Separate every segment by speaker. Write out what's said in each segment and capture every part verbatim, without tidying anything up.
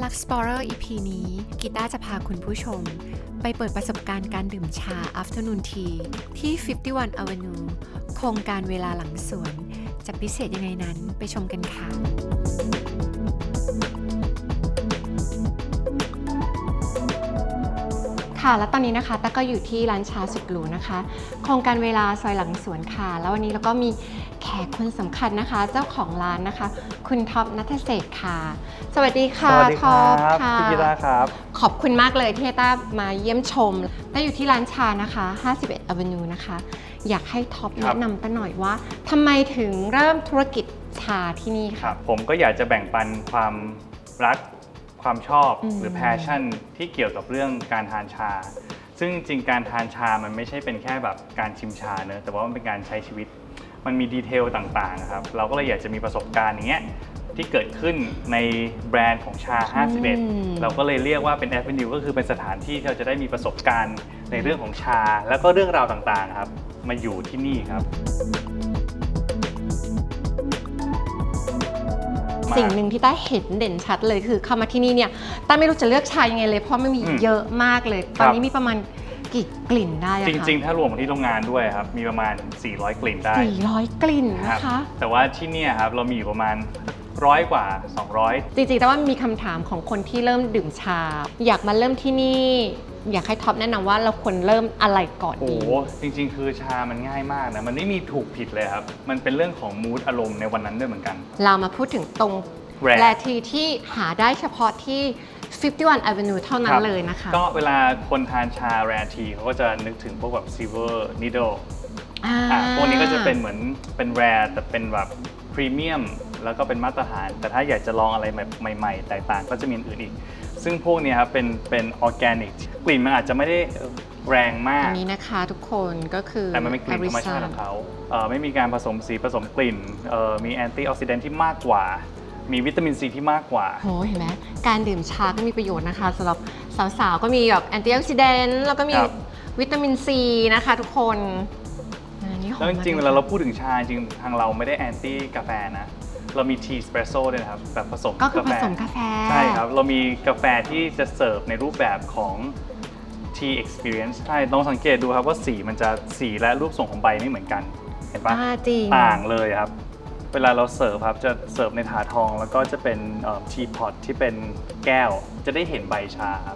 Speaker 1: Explorer อี พี นี้กีตาร์จะพาคุณผู้ชมไปเปิดประสบการณ์การดื่มชา Afternoon Tea ที่ ห้าสิบเอ็ด Avenue โครงการเวลาหลังสวนจะพิเศษยังไงนั้นไปชมกันค่ะค่ะและตอนนี้นะคะต้าก็อยู่ที่ร้านชาสุดหรูนะคะโครงการเวลาซอยหลังสวนค่ะแล้ววันนี้เราก็มีแขกคนสำคัญนะคะเจ้าของร้านนะคะคุณท็อปณัฐเศรษฐ์ค่ะสวัสดีค่ะ
Speaker 2: สวัสดีค
Speaker 1: ท็
Speaker 2: รั
Speaker 1: อบ ปค่ะ
Speaker 2: พี่กีตาร์ครับ
Speaker 1: ขอบคุณมากเลยที่ให้ต้ามาเยี่ยมชมต้าอยู่ที่ร้านชานะคะห้าสิบเอ็ด Avenue นะคะอยากให้ท็อปแนะนำต้าหน่อยว่าทำไมถึงเริ่มธุรกิจชาที่นี่
Speaker 2: ค
Speaker 1: ค่ะ
Speaker 2: รับผมก็อยากจะแบ่งปันความรักความชอบ
Speaker 1: อืม
Speaker 2: หรือ passion ที่เกี่ยวกับเรื่องการทานชา ซึ่งจริงๆการทานชามันไม่ใช่เป็นแค่แบบการชิมชาเนอะแต่ว่ามันเป็นการใช้ชีวิตมันมีดีเทลต่างๆครับเราก็เลยอยากจะมีประสบการณ์อย่างเงี้ยที่เกิดขึ้นในแบรนด์ของชาห้าสิบเอ็ดเราก็เลยเรียกว่าเป็น Avenue ก็คือเป็นสถานที่ที่เราจะได้มีประสบการณ์ในเรื่องของชาแล้วก็เรื่องราวต่างๆครับมาอยู่ที่นี่ครับ
Speaker 1: สิ่งหนึ่งที่ต้าเห็นเด่นชัดเลยคือเข้ามาที่นี่เนี่ยต้าไม่รู้จะเลือกชายังไงเลยเพราะไม่มีเยอะมากเลยตอนนี้มีประมาณกี่กลิ่นได้อะคะ
Speaker 2: จริงๆถ้ารวมที่โรงงานด้วยครับมีประมาณสี่ร้อยกลิ่นได้
Speaker 1: สี่ร้อยกลิ่นนะคะ
Speaker 2: แต่ว่าที่นี่ครับเรามีอยู่ประมาณร้อยกว่าสองร้อย
Speaker 1: จริงๆแต่ว่ามีคำถามของคนที่เริ่มดื่มชาอยากมาเริ่มที่นี่อยากให้ท็อปแนะนำว่าเราควรเริ่มอะไรก่อน
Speaker 2: โอ้
Speaker 1: ดี
Speaker 2: โหจริงๆ คือชามันง่ายมากนะมันไม่มีถูกผิดเลยครับมันเป็นเรื่องของมูดอารมณ์ในวันนั้นด้วยเหมือนกัน
Speaker 1: เรามาพูดถึงตรง
Speaker 2: Rare
Speaker 1: แรทีที่หาได้เฉพาะที่ห้าสิบเอ็ด Avenue เท่านั้นเลยนะคะ
Speaker 2: ก็เวลาคนทานชาแรทีเขาก็จะนึกถึงพวกแบบ Silver Needle
Speaker 1: อ่า
Speaker 2: อ่ะพวกนี้ก็จะเป็นเหมือนเป็นแรแต่เป็นแบบพรีเมียมแล้วก็เป็นมาตรฐาน แต่ถ้าอยากจะลองอะไรแบบใหม่ๆแตกต่างก็จะมีอื่นอีก ซึ่งพวกนี้ครับเป็นเป็นออร์แกนิกกลิ่นมันอาจจะไม่ได้แรงมาก
Speaker 1: อันนี้นะคะทุกคนก็คือ
Speaker 2: แต่มันเป็นกลิ่นธรรมชาติของเขาเอ่อไม่มีการผสมสีผสมกลิ่นเอ่อมีแอนตี้ออกซิแดนท์ที่มากกว่ามีวิตามินซีที่มากกว่า
Speaker 1: โหเห็นไหมการดื่มชาก็มีประโยชน์นะคะสำหรับสาวๆก็มีแบบแอนตี้ออกซิแดนต์แล้วก็มีวิตามินซีนะคะทุกคนอันนี้หอม
Speaker 2: แล้วจริงๆเวลาเราพูดถึงชาจริงทางเราไม่ได้แอนตี้กาแฟนะเรามีทีสเปรสโซ่ด้วยนะครับแบบผสม
Speaker 1: ก็คือก
Speaker 2: า
Speaker 1: ผ
Speaker 2: แฟ
Speaker 1: สมกาแฟ
Speaker 2: ใช่ครับเรามีกาแฟที่จะเสิร์ฟในรูปแบบของ Tea Experience ใช่ลองสังเกตดูครับว่าสีมันจะสีและรูปทรงของใบไม่เหมือนกันเห็นปะ
Speaker 1: อ่าจริง
Speaker 2: ต่างเลยครับเวลาเราเสิร์ฟครับจะเสิร์ฟในถาดทองแล้วก็จะเป็นทีพอตที่เป็นแก้วจะได้เห็นใบชาครับ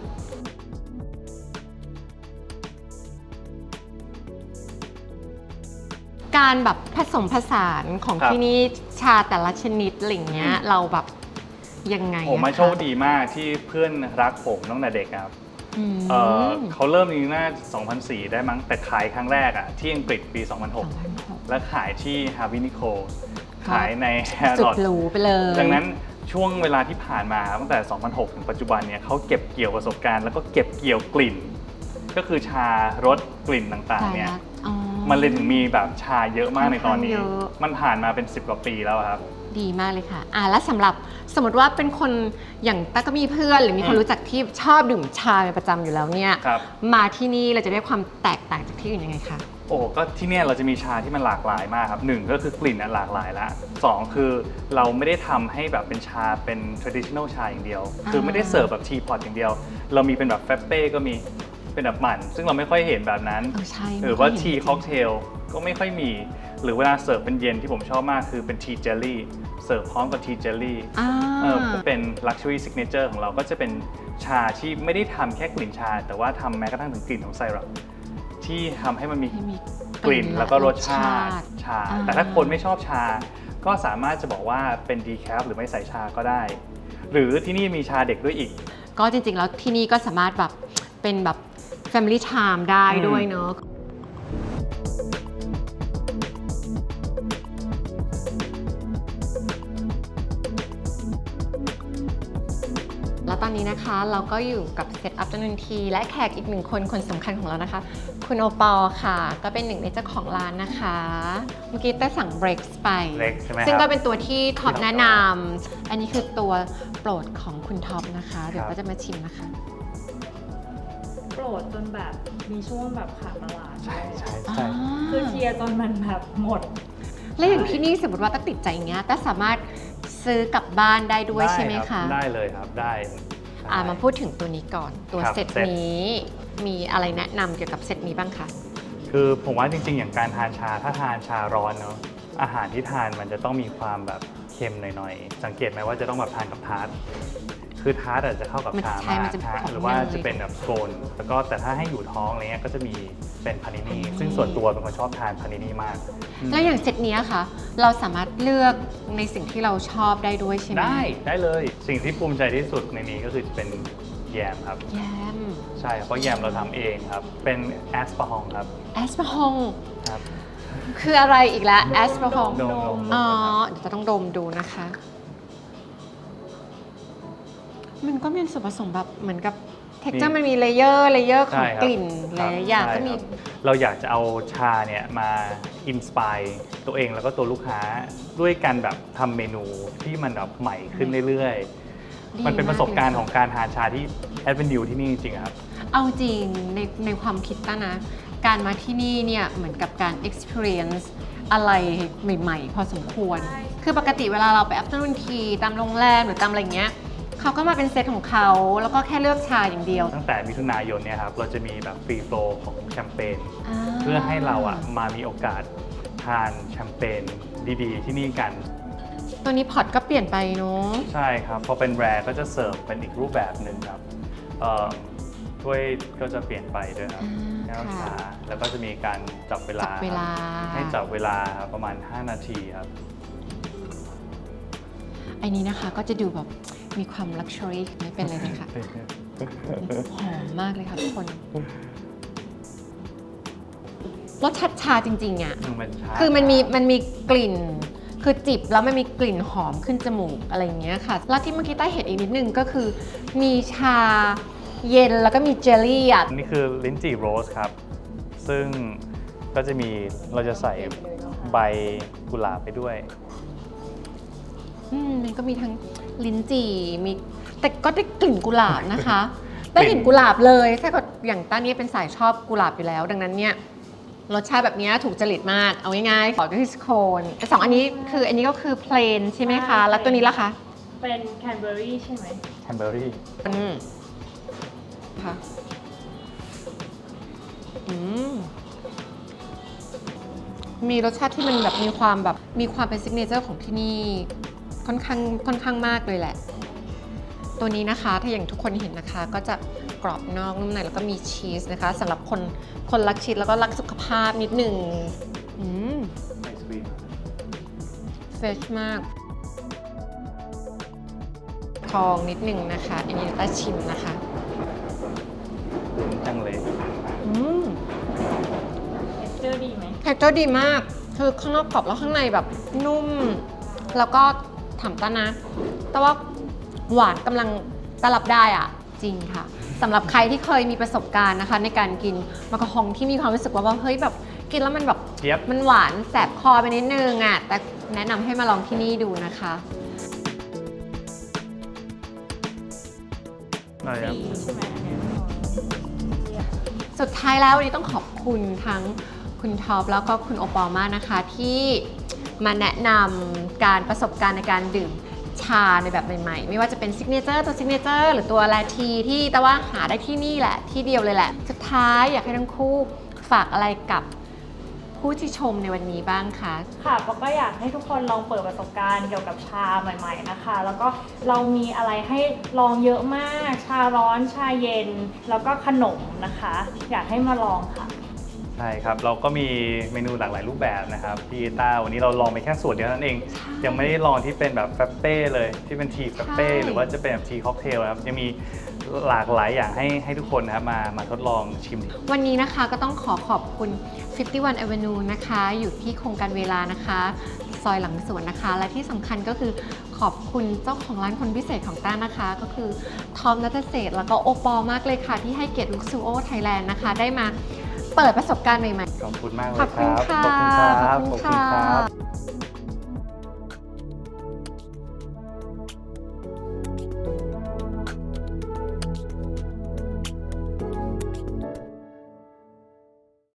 Speaker 1: การแบบผสมผสานของ
Speaker 2: ครับ
Speaker 1: ที่นี่ชาแต่ละชนิดอะไรอย่างเงี้ยเราแบบยังไง
Speaker 2: ผมมา
Speaker 1: อะคะ
Speaker 2: โชคดีมากที่เพื่อนรักผมตั้งแต่เด็กครับ
Speaker 1: อืม
Speaker 2: เอ่อเขาเริ่มนี้น่าสองพันสี่ได้มั้งแต่ขายครั้งแรกอะที่อังกฤษปี สองพันหก
Speaker 1: สองพันหก
Speaker 2: และขายที่ Harvey Nichols ขายใน
Speaker 1: สุด
Speaker 2: Harrods
Speaker 1: หรูไปเลย
Speaker 2: ดังนั้นช่วงเวลาที่ผ่านมาตั้งแต่ สองพันหก ถึงปัจจุบันเนี่ยเขาเก็บเกี่ยวประสบการณ์แล้วก็เก็บเกี่ยวกลิ่น ก็คือชารสกลิ่นต่างๆเนี่ย
Speaker 1: อ๋อ
Speaker 2: มันเลยถึงมีแบบชาเยอะมากในตอนนี้
Speaker 1: ค่อนข้างเยอะ
Speaker 2: มันผ่านมาเป็นสิบกว่าปีแล้วครับ
Speaker 1: ดีมากเลยค่ะอ่าแล้วสำหรับสมมติว่าเป็นคนอย่างต้าก็มีเพื่อนหรือมีคน
Speaker 2: อืม
Speaker 1: รู้จักที่ชอบดื่มชาเป็นประจำอยู่แล้วเนี่ย
Speaker 2: ครับ
Speaker 1: มาที่นี่เราจะได้ความแตกต่างจากที่อื่นยังไงคะ
Speaker 2: โอ้ก็ที่เนี่ยเราจะมีชาที่มันหลากหลายมากครับหนึ่งก็คือกลิ่นอ่ะหลากหลายแล้วสองคือเราไม่ได้ทำให้แบบเป็นชาเป็น traditional ชาอย่างเดียว คือไม่ได้เสิร์ฟแบบทีพอตอย่างเดียว เรามีเป็นแบบเฟปเป้ก็มีเป็นแบบหมั่นซึ่งเราไม่ค่อยเห็นแบบนั้น
Speaker 1: เออใช่
Speaker 2: หรือว่า
Speaker 1: ไม่ค่อยเห็น
Speaker 2: ทีค็อกเทลก็ไม่ค่อยมี หรือเวลาเสิร์ฟเป็นเย็นที่ผมชอบมากคือเป็นทีเจลลี่เสิร์ฟพร้อมกับทีเจลลี่
Speaker 1: อ่า
Speaker 2: เออเป็น luxury signature ของเราก็จะเป็นชาที่ไม่ได้ทำแค่กลิ่นชา แต่ว่าทำแม้กระทั่งถึงกลิ่นของไซรัปที่ทำให้มันมี
Speaker 1: ให้มี
Speaker 2: กลิ่นแล้วก็รสชาติชา
Speaker 1: อ่า
Speaker 2: แต่ถ้าคนไม่ชอบชา ก็สามารถจะบอกว่าเป็นดีแคฟหรือไม่ใส่ชาก็ได้ หรือที่นี่มีชาเด็กด้วยอีก
Speaker 1: ก็จริงๆแล้วที่นี่ก็สามารถแบบเป็นแบบ Family Time ได้
Speaker 2: อืม
Speaker 1: ด้วยเนอะแล้วตอนนี้นะคะเราก็อยู่กับเซตอัพจำนวนทีและแขกอีกหนึ่งคนคนสำคัญของเรานะคะ คุณโอปอล์ค่ะ ก็เป็นหนึ่งในเจ้าของร้านนะคะ เมื่อกี้ได้สั่งเบรกส์ไป
Speaker 2: Breaks ใช่ไหมครับ
Speaker 1: ซึ่งก็เป็นตัวที่ท็อปแนะนำอันนี้คือตัวโปรดของคุณท็อปนะคะ เดี๋ยวก็จะมาชิมนะคะ
Speaker 3: โปรดจนแบบมีช่วงแบบขาดตลาด
Speaker 2: ใช่ใช่
Speaker 1: อ่า
Speaker 2: ใช่
Speaker 3: คือเคลียร์จนมันแบบหมด
Speaker 1: แล้วอย่างที่นี่สมมติว่าต้าติดใจอย่างเงี้ยต้าสามารถซื้อกลับบ้านได้ด้วยใช่ไหม
Speaker 2: รับ
Speaker 1: คะ
Speaker 2: ได้เลยครับได้
Speaker 1: อ่ามาพูดถึงตัวนี้ก่อน ตัว
Speaker 2: ครับ
Speaker 1: เซต
Speaker 2: เซต
Speaker 1: นี้มีอะไรแนะนำเกี่ยวกับเซตนี้บ้างคะ
Speaker 2: คือผมว่าจริงๆ อย่างการทานชาถ้าทานชาร้อนเนาะอาหารที่ทานมันจะต้องมีความแบบเค็มหน่อยๆ สังเกตไหมว่าจะต้องแบบทานกับทาร์ตคือทาร์ตอาจจะเข้ากับ
Speaker 1: มัน
Speaker 2: ชา
Speaker 1: ใช่
Speaker 2: มาก
Speaker 1: มันจะเป็น
Speaker 2: ฮะ
Speaker 1: ของ
Speaker 2: หรือว่า
Speaker 1: เนย
Speaker 2: จะเป็นแบบโกนแล้วก็แต่ถ้าให้อยู่ท้องอะไรเงี้ยก็จะมีเป็นพานินีซึ่งส่วนตัวเป็นคนชอบทานพานินีมากอืม
Speaker 1: แล้วอย่างเซตเนี้ยค่ะ เราสามารถเลือกในสิ่งที่เราชอบได้ด้วยใช่ไหม
Speaker 2: ได้ได้เลยสิ่งที่ภูมิใจที่สุดในนี้ก็คือจะเป็นแยมครับ
Speaker 1: แยม
Speaker 2: ใช่ครับเพราะแยมเราทำเองครับเป็นแอสปาฮองครับ
Speaker 1: แอสปาฮอง
Speaker 2: ครับ
Speaker 1: คืออะไรอีกแล้วแอสปาฮอง
Speaker 2: ดมดม
Speaker 1: อ๋อเดี๋ยวจะต้องดมดูนะคะ มันก็มีส่วนผสมแบบเหมือนกับเท็กเจอร์มันมีเลเยอร์เลเยอร์ของ
Speaker 2: ใช่ครับ
Speaker 1: กลิ่นหลายๆอย่าง
Speaker 2: ใช่
Speaker 1: ก็มี
Speaker 2: ครับเราอยากจะเอาชาเนี่ยมาอินสปายตัวเองแล้วก็ตัวลูกค้าด้วยการแบบทำเมนูที่มันแบบใหม่ขึ้นเรื่อย
Speaker 1: ดี
Speaker 2: ๆ มันเป็นประสบการณ์
Speaker 1: มากเลย
Speaker 2: ของการทานชาที่แอดเวนดิวที่นี่จริงๆอะครับ
Speaker 1: เอาจริงในในความคิดต้านะ การมาที่นี่เนี่ยเหมือนกับการ experience อะไรใหม่ๆ พอสมควร คือปกติเวลาเราไป afternoon tea ตามโรงแรมหรือตามอะไรเงี้ยเขาก็มาเป็นเซตของเขา แล้วก็แค่เลือกชาอย่างเดียว
Speaker 2: ตั้งแต่มิถุนายนเนี่ยครับเราจะมีแบบฟรีโฟลของแชมเปญเพื่อให้เราอ่ะมามีโอกาสทานแชมเปญดีๆ ที่นี่กัน
Speaker 1: ตัวนี้พอร์ตก็เปลี่ยนไปเนาะ
Speaker 2: ใช่ครับ พอเป็นแรร์ก็จะเสิร์ฟเป็นอีกรูปแบบหนึ่งครับเอ่อถ้วยก็จะเปลี่ยนไปด้วยครับแก้วชาแล้วก็จะมีการจับเวลา
Speaker 1: จับเวลา
Speaker 2: ให้จับเวลาครับประมาณ ห้า นาทีครับ
Speaker 1: ไอ้นี้นะคะก็จะดูแบบมีความ luxury ไม่เป็นเลยนะคะหอมมากเลยค่ะทุกคนรสชาติชาจริงๆอ่ะ
Speaker 2: มันชา
Speaker 1: คือมันมีมันมีกลิ่น คือจิบแล้วมันมีกลิ่นหอมขึ้นจมูกอะไรอย่างเงี้ยค่ะ แล้วที่เมื่อกี้ใต้เห็นอีกนิดนึงก็คือมีชาเย็นแล้วก็มีเจลลี่อ่ะ
Speaker 2: นี่คือลิ้นจี่โรสครับ ซึ่งก็จะมีเราจะใส่ใบกุหลาบไปด้วย
Speaker 1: อืมมันก็มีทั้งลิ้นจี่มีแต่ก็ได้กลิ่นกุหลาบนะคะ ได้กลิ่นกุหลาบเลยถ้าเกิดอย่างต้านี้เป็นสายชอบกุหลาบอยู่แล้ว ดังนั้นเนี่ยรสชาติแบบนี้ถูกจริตมาก เอาง่ายๆขอด้วยสโคนแต่สองอันนี้คืออันนี้ก็คือเพลนใช่ไหมคะ แล้วตัวนี้ล่ะคะ
Speaker 3: เป็นแคนเบอรี่ใช่ไหม
Speaker 2: แคนเบอรี่
Speaker 1: อืมค่ะอืมมีรสชาติที่มันแบบมีความแบบมีความเป็นซิกเนเจอร์ของที่นี่ค่อนข้างค่อนข้างมากเลยแหละ ตัวนี้นะคะถ้าอย่างทุกคนเห็นนะคะ ก็จะกรอบนอกนุ่มในแล้วก็มีชีสนะคะสำหรับคนคนรักชีสแล้วก็รักสุขภาพนิดหนึ่งอืม
Speaker 2: ไอศครีม
Speaker 1: เฟรชมาก ทองนิดหนึ่งนะคะ อันนี้ต้าชิมนะคะ
Speaker 2: จังเลย
Speaker 1: อืม
Speaker 3: เท็กเจอร์ดีไหม
Speaker 1: เท็กเจอร์ดีมาก คือข้างนอกกรอบแล้วข้างในแบบนุ่ม แล้วก็ถามต้านะ แต่ว่าหวานกำลังตลับได้อะจริงค่ะสำหรับใครที่เคยมีประสบการณ์นะคะ ในการกินมะกะฮองที่มีความรู้สึกว่าว่าเฮ้ยแบบกินแล้วมันแบบ
Speaker 2: เจี๊ยบ
Speaker 1: มันหวานแสบคอไปนิดนึงอ่ะแต่แนะนำให้มาลองที่นี่ดูนะคะ
Speaker 2: อะไรครับ
Speaker 3: ดีใช่ไหมอันเนี้ยของ
Speaker 1: สุดท้ายแล้ววันนี้ต้องขอบคุณทั้งคุณท็อปแล้วก็คุณโอปอลมากนะคะ ที่มาแนะนำการประสบการณ์ในการดื่มชาในแบบใหม่ๆ ไม่ว่าจะเป็นซิกเนเจอร์ตัวซิกเนเจอร์หรือตัวแลทีที่แต่ว่าหาได้ที่นี่แหละที่เดียวเลยแหละ สุดท้ายอยากให้ทั้งคู่ฝากอะไรกับผู้ที่ชมในวันนี้บ้างคะ
Speaker 3: ค่ะปอก็อยากให้ทุกคนลองเปิดประสบการณ์เกี่ยวกับชาใหม่ ๆนะคะ แล้วก็เรามีอะไรให้ลองเยอะมาก ชาร้อน ชาเย็น แล้วก็ขนมนะคะ อยากให้มาลองค่ะ
Speaker 2: ใช่ครับ เราก็มีเมนูหลากหลายรูปแบบนะครับพี่ต้าวันนี้เราลองไปแค่ส่วนเดียวเท่านั้นเอง ยังไม่ได้ลองที่เป็นแบบแฟปเป้เลยที่เป็นทีแฟปเป้หรือว่าจะเป็นแบบทีค็อกเทลนะครับยังมีหลากหลายอย่างให้ให้ทุกคนนะครับมามาทดลองชิม
Speaker 1: วันนี้นะคะก็ต้องขอขอบคุณ ห้าสิบเอ็ด Avenue นะคะ อยู่ที่โครงการเวลานะคะ ซอยหลังสวนนะคะ และที่สำคัญก็คือขอบคุณเจ้าของร้านคนพิเศษของต้านะคะ ก็คือทอมนัทเศรษฐ์แล้วก็โอปอลมากเลยค่ะ ที่ให้เกียรติลุกซูโอไทยแลนด์นะคะ ได้มาเปิดประสบการณ์ใหม่ๆ
Speaker 2: ขอบคุณมากเลย
Speaker 1: ขอบ
Speaker 2: ค
Speaker 1: คุณ
Speaker 2: รับ
Speaker 1: ค่ะ
Speaker 2: ขอบคุณครับ
Speaker 1: ขอบคุณค่ะ